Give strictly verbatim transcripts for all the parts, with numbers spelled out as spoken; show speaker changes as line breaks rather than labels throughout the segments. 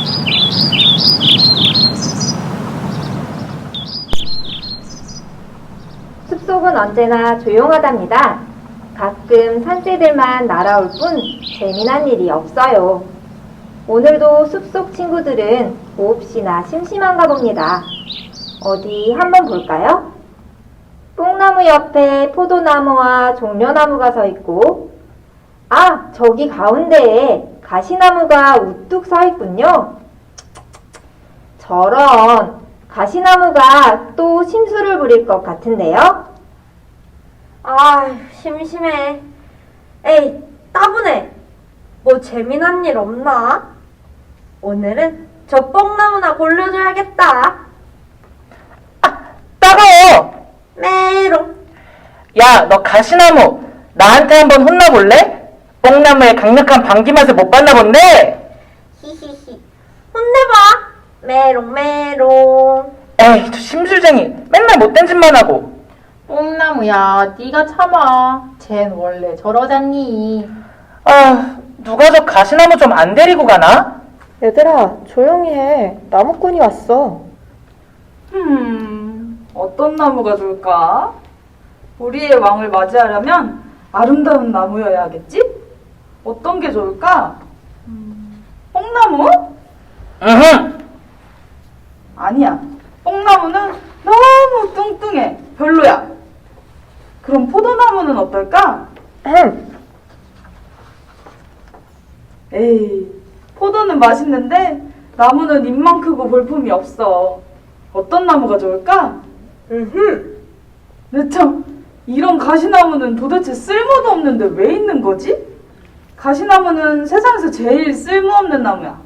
숲속은 언제나 조용하답니다. 가끔 산새들만 날아올 뿐 재미난 일이 없어요. 오늘도 숲속 친구들은 몹시나 심심한가 봅니다. 어디 한번 볼까요? 뽕나무 옆에 포도나무와 종려나무가 서 있고, 아, 저기 가운데에 가시나무가 우뚝 서 있군요. 저런, 가시나무가 또 심술을 부릴 것 같은데요?
아휴, 심심해. 에이, 따분해. 뭐 재미난 일 없나? 오늘은 저 뽕나무나 골려줘야겠다.
아, 따가워!
메롱.
야, 너 가시나무, 나한테 한번 혼나볼래? 뽕나무의 강력한 방귀 맛을 못 봤나 본데?
히히히. 혼내봐. 메롱 메롱.
에이, 저 심술쟁이, 맨날 못된 짓만 하고.
뽕나무야, 네가 참아. 쟨 원래 저러잖니.
아, 누가 저 가시나무 좀 안 데리고 가나?
얘들아, 조용히 해. 나무꾼이 왔어.
음, 어떤 나무가 좋을까? 우리의 왕을 맞이하려면 아름다운 나무여야 하겠지? 어떤 게 좋을까? 음, 뽕나무?
으흠!
아니야. 뽕나무는 너무 뚱뚱해. 별로야. 그럼 포도나무는 어떨까?
흠.
에이, 포도는 맛있는데 나무는 입만 크고 볼품이 없어. 어떤 나무가 좋을까?
음흠.
네, 참, 이런 가시나무는 도대체 쓸모도 없는데 왜 있는 거지? 가시나무는 세상에서 제일 쓸모없는 나무야.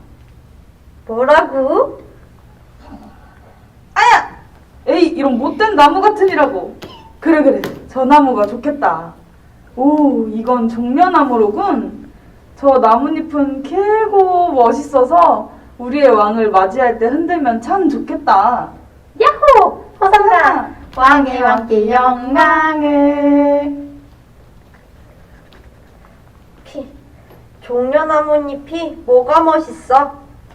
뭐라고?
아야! 에이, 이런 못된 나무 같으니라고. 그래, 그래. 저 나무가 좋겠다. 오, 이건 종려나무로군. 저 나뭇잎은 길고 멋있어서 우리의 왕을 맞이할 때 흔들면 참 좋겠다.
야호! 허상나.
왕의 왕께 영광을.
피. 종려나무잎이 뭐가 멋있어?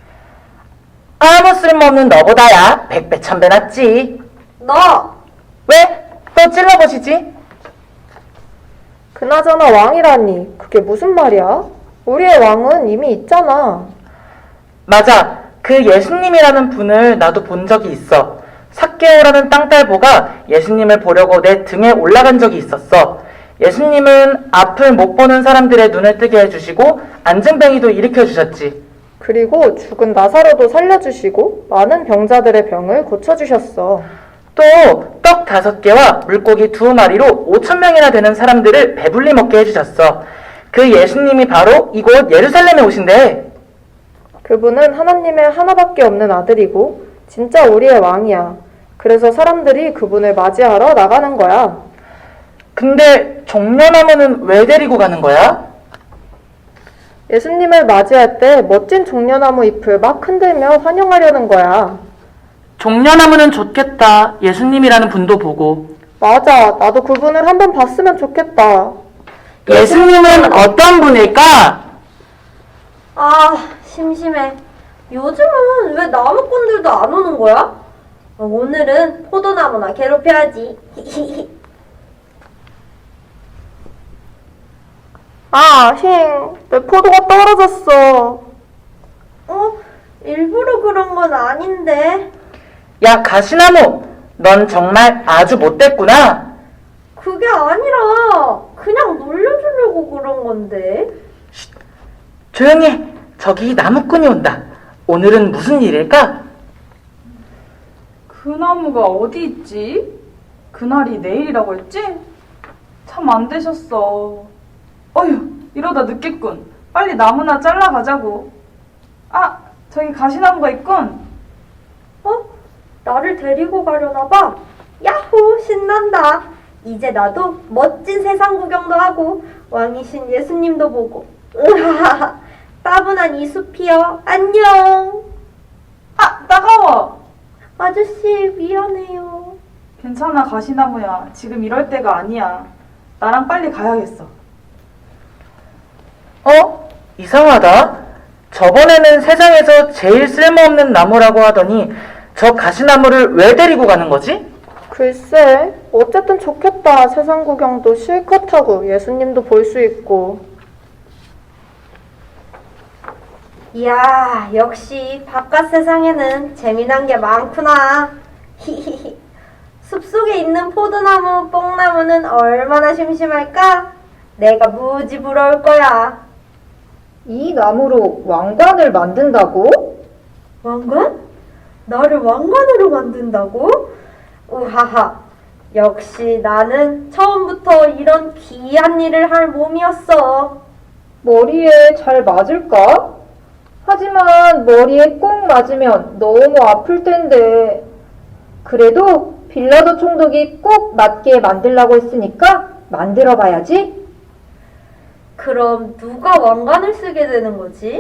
아무 쓸모없는 너보다야 백배 천배 낫지.
너!
왜? 또 찔러보시지?
그나저나 왕이라니, 그게 무슨 말이야? 우리의 왕은 이미 있잖아.
맞아. 그 예수님이라는 분을 나도 본 적이 있어. 삭개오라는 땅딸보가 예수님을 보려고 내 등에 올라간 적이 있었어. 예수님은 앞을 못 보는 사람들의 눈을 뜨게 해주시고 안증뱅이도 일으켜주셨지.
그리고 죽은 나사로도 살려주시고 많은 병자들의 병을 고쳐주셨어.
또 떡 다섯 개와 물고기 두 마리로 오천 명이나 되는 사람들을 배불리 먹게 해주셨어. 그 예수님이 바로 이곳 예루살렘에 오신대.
그분은 하나님의 하나밖에 없는 아들이고 진짜 우리의 왕이야. 그래서 사람들이 그분을 맞이하러 나가는 거야.
근데 종려나무는 왜 데리고 가는 거야?
예수님을 맞이할 때 멋진 종려나무 잎을 막 흔들며 환영하려는 거야.
종려나무는 좋겠다. 예수님이라는 분도 보고.
맞아, 나도 그분을 한번 봤으면 좋겠다.
예수님은 어떤 분일까?
아, 심심해. 요즘은 왜 나무꾼들도 안 오는 거야? 어, 오늘은 포도나무나 괴롭혀야지.
아, 힝, 내 포도가 떨어졌어.
어? 일부러 그런 건 아닌데.
야, 가시나무, 넌 정말 아주 못됐구나.
그게 아니라 그냥 놀려주려고 그런 건데.
조용히 해. 저기 나무꾼이 온다. 오늘은 무슨 일일까?
그 나무가 어디 있지? 그날이 내일이라고 했지? 참 안 되셨어. 어휴, 이러다 늦겠군. 빨리 나무나 잘라가자고. 아, 저기 가시나무가 있군.
어? 나를 데리고 가려나 봐. 야호, 신난다. 이제 나도 멋진 세상 구경도 하고 왕이신 예수님도 보고. 으하하, 따분한 이 숲이여, 안녕.
아, 따가워.
아저씨, 미안해요.
괜찮아, 가시나무야. 지금 이럴 때가 아니야. 나랑 빨리 가야겠어.
어? 이상하다. 저번에는 세상에서 제일 쓸모없는 나무라고 하더니 저 가시나무를 왜 데리고 가는 거지?
글쎄, 어쨌든 좋겠다. 세상 구경도 실컷 하고 예수님도 볼 수 있고.
이야, 역시 바깥 세상에는 재미난 게 많구나. 히히히. 숲속에 있는 포도나무, 뽕나무는 얼마나 심심할까? 내가 무지 부러울 거야.
이 나무로 왕관을 만든다고?
왕관? 나를 왕관으로 만든다고? 우하하. 역시 나는 처음부터 이런 귀한 일을 할 몸이었어.
머리에 잘 맞을까? 하지만 머리에 꼭 맞으면 너무 아플 텐데. 그래도 빌라도 총독이 꼭 맞게 만들라고 했으니까 만들어 봐야지.
그럼 누가 왕관을 쓰게 되는 거지?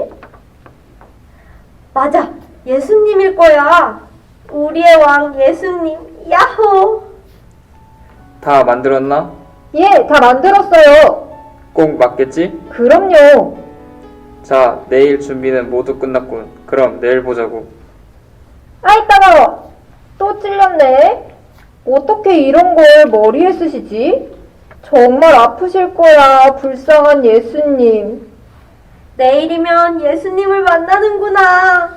맞아, 예수님일 거야. 우리의 왕 예수님, 야호!
다 만들었나?
예, 다 만들었어요.
꼭 맞겠지?
그럼요.
자, 내일 준비는 모두 끝났군. 그럼 내일 보자고.
아이, 따가워. 또 찔렸네. 어떻게 이런 걸 머리에 쓰시지? 정말 아프실 거야, 불쌍한 예수님.
내일이면 예수님을 만나는구나.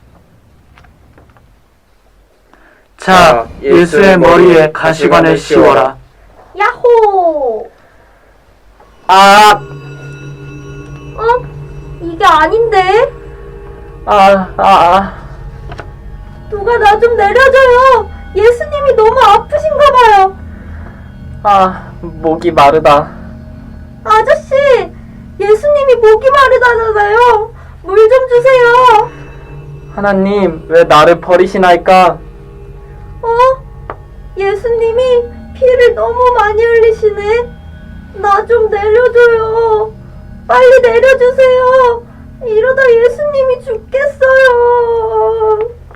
자, 예수의 머리에 가시관을 씌워라.
야호!
아,
어? 이게 아닌데?
아, 아, 아.
누가 나 좀 내려줘요. 예수님이 너무 아프신가 봐요.
아, 목이 마르다.
아저씨, 예수님이 목이 마르다잖아요. 물 좀 주세요.
하나님, 왜 나를 버리시나이까?
어? 예수님이 피를 너무 많이 흘리시네. 나 좀 내려줘요. 빨리 내려주세요. 이러다 예수님이 죽겠어요.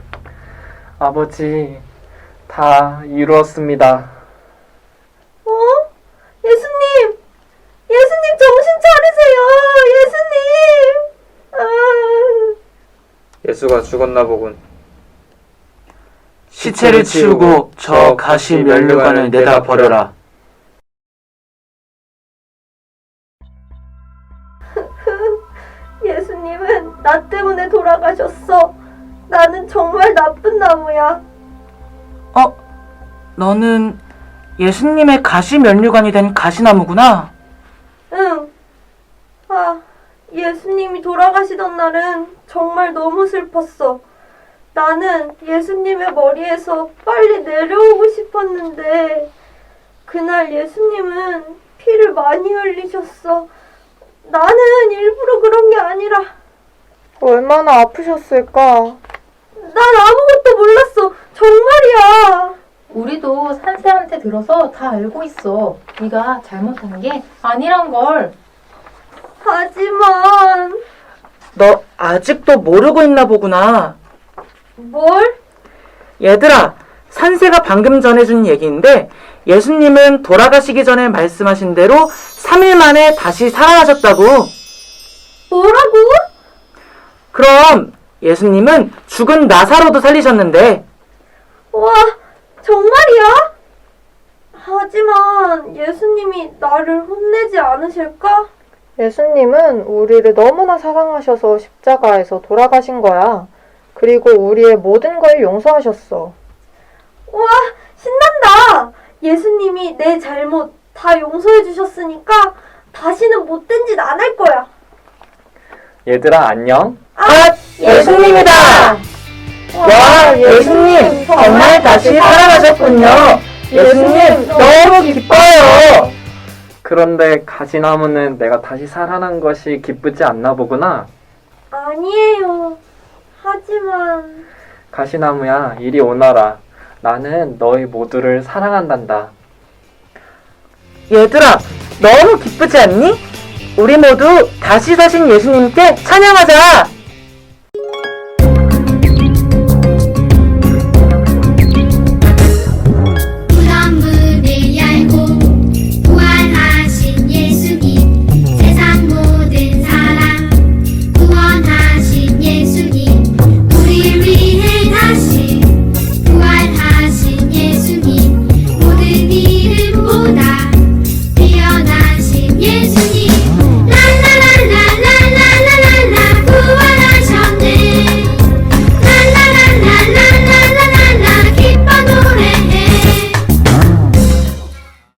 아버지, 다 이루었습니다.
어? 예수님! 예수님 정신 차리세요! 예수님! 아...
예수가 죽었나 보군.
시체를 치우고 저 가시 면류관을 내다 버려라.
예수님은 나 때문에 돌아가셨어. 나는 정말 나쁜 나무야.
어? 너는 예수님의 가시 면류관이 된 가시나무구나?
응. 아, 예수님이 돌아가시던 날은 정말 너무 슬펐어. 나는 예수님의 머리에서 빨리 내려오고 싶었는데 그날 예수님은 피를 많이 흘리셨어. 나는 일부러 그런 게 아니라
얼마나 아프셨을까?
난 아무것도 몰랐어. 정말이야.
우리도 산세한테 들어서 다 알고 있어. 네가 잘못한 게 아니란 걸.
하지만
너 아직도 모르고 있나 보구나.
뭘?
얘들아, 산세가 방금 전해준 얘기인데 예수님은 돌아가시기 전에 말씀하신 대로 삼 일 만에 다시 살아나셨다고.
뭐라고?
그럼 예수님은 죽은 나사로도 살리셨는데.
와, 정말이야? 하지만 예수님이 나를 혼내지 않으실까?
예수님은 우리를 너무나 사랑하셔서 십자가에서 돌아가신 거야. 그리고 우리의 모든 걸 용서하셨어.
와, 신난다! 예수님이 내 잘못 다 용서해 주셨으니까 다시는 못된 짓 안 할 거야.
얘들아, 안녕?
아, 예수님이다! 와, 예수님 정말 다시 살아나셨군요. 예수님 너무 기뻐요.
그런데 가시나무는 내가 다시 살아난 것이 기쁘지 않나 보구나.
아니에요. 하지만
가시나무야, 이리 오너라. 나는 너희 모두를 사랑한단다.
얘들아, 너무 기쁘지 않니? 우리 모두 다시 사신 예수님께 찬양하자.